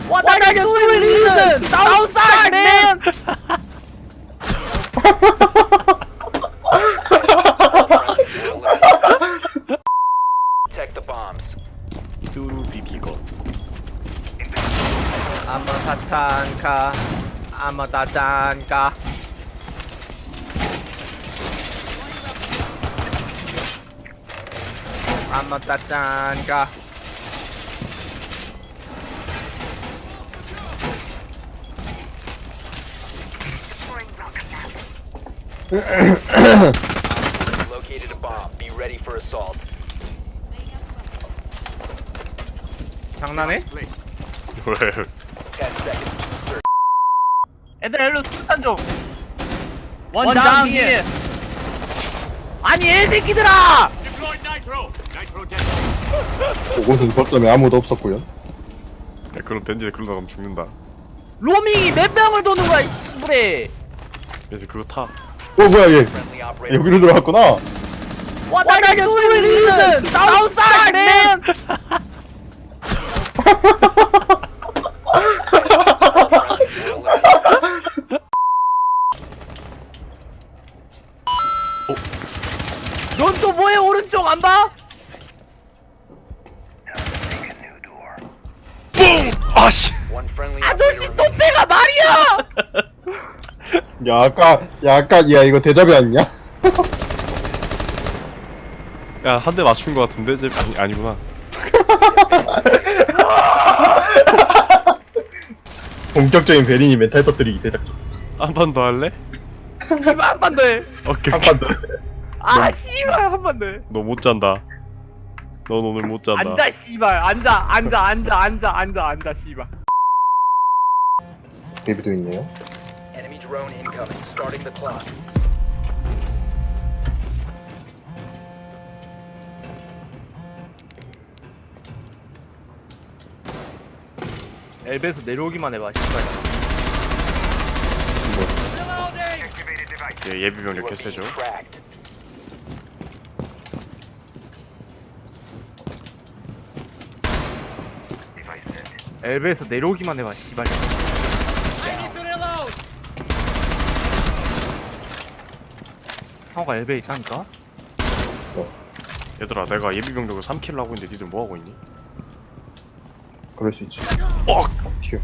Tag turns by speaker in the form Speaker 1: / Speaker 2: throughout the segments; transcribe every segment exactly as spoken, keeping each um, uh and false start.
Speaker 1: What are you doing? Listen! Outside, man!
Speaker 2: Protect the bombs.
Speaker 3: 뚜루 비비거.
Speaker 1: I'm a tatanka. I'm a tatanka. I'm a tatanka.
Speaker 2: Located a bomb. Be ready for assault.
Speaker 1: 장난해?
Speaker 3: 왜?
Speaker 2: Ten seconds.
Speaker 1: 애들 일로 수탄 좀. 원장 뒤에. 아니 애 새끼들아!
Speaker 4: 그곳은 거점에 아무도 없었고요.
Speaker 3: 야, 그럼 벤지에 그러다 가면 죽는다.
Speaker 1: 로밍이 몇 명을 도는 거야 이 씨부레.
Speaker 3: 그래서 그거 타.
Speaker 4: 어 뭐야 얘
Speaker 2: Friendly operator.
Speaker 4: 여기로 들어갔구나.
Speaker 1: What are you doing? Listen! Outside, man! 넌 또 뭐해 오른쪽 안 봐?
Speaker 3: 아씨.
Speaker 2: One friendly
Speaker 1: 아저씨
Speaker 2: operator
Speaker 1: 또
Speaker 2: remaining.
Speaker 1: 빼가 말이야!
Speaker 4: 야 아까 야 아까 야 이거 대잡이 아니냐?
Speaker 3: 야, 한 대 맞춘 거 같은데? 쟤 아니 아니구나.
Speaker 4: 본격적인 베린이 멘탈 터뜨리기 대작전.
Speaker 3: 한 번 더 할래?
Speaker 1: 씨발 한 번 더 해.
Speaker 3: 오케이.
Speaker 4: 한판 더.
Speaker 1: 아 씨발 한 번 더 해.
Speaker 3: 너 못 잔다. 넌 오늘 못 잔다.
Speaker 1: 앉아 씨발 앉아 앉아 앉아 앉아 앉아 앉아 씨발.
Speaker 4: 베비도 있네요.
Speaker 2: Enemy drone incoming. Starting the clock.
Speaker 1: 엘베에서 내려오기만 해봐 씨발.
Speaker 3: 얘 예비 병력
Speaker 2: You are
Speaker 3: 개쎄죠.
Speaker 2: being tracked.
Speaker 1: 엘베에서 내려오기만 해봐 씨발. 상호가 엘베에 있다니까?
Speaker 3: 얘들아, 내가 예비 병력을 삼 킬을 하고 있는데 니들 뭐 하고 있니?
Speaker 4: 그럴 수 있지.
Speaker 3: 어!
Speaker 4: 튀어.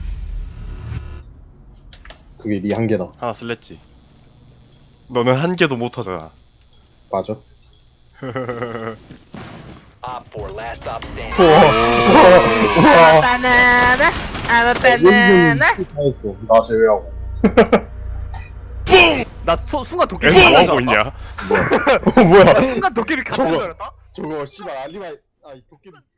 Speaker 4: 그게 네 한계다.
Speaker 3: 하나 쓸랬지. 너는 한 개도 못 하잖아.
Speaker 4: 맞아.
Speaker 2: Op four, last stop standing.
Speaker 4: 우와.
Speaker 1: 바나나 I'm a
Speaker 4: 여기는 다 했어. 나 제외하고.
Speaker 1: 나 소, 순간 도끼를
Speaker 3: 애들 뭐
Speaker 1: 깜짝
Speaker 3: 하고
Speaker 1: 놀랐다.
Speaker 3: 있냐?
Speaker 4: 어 뭐야?
Speaker 1: 순간 도끼를 깜짝
Speaker 4: 저거.
Speaker 1: 놀랐다.
Speaker 4: 저거 씨발 알리바이. 아 이 도끼.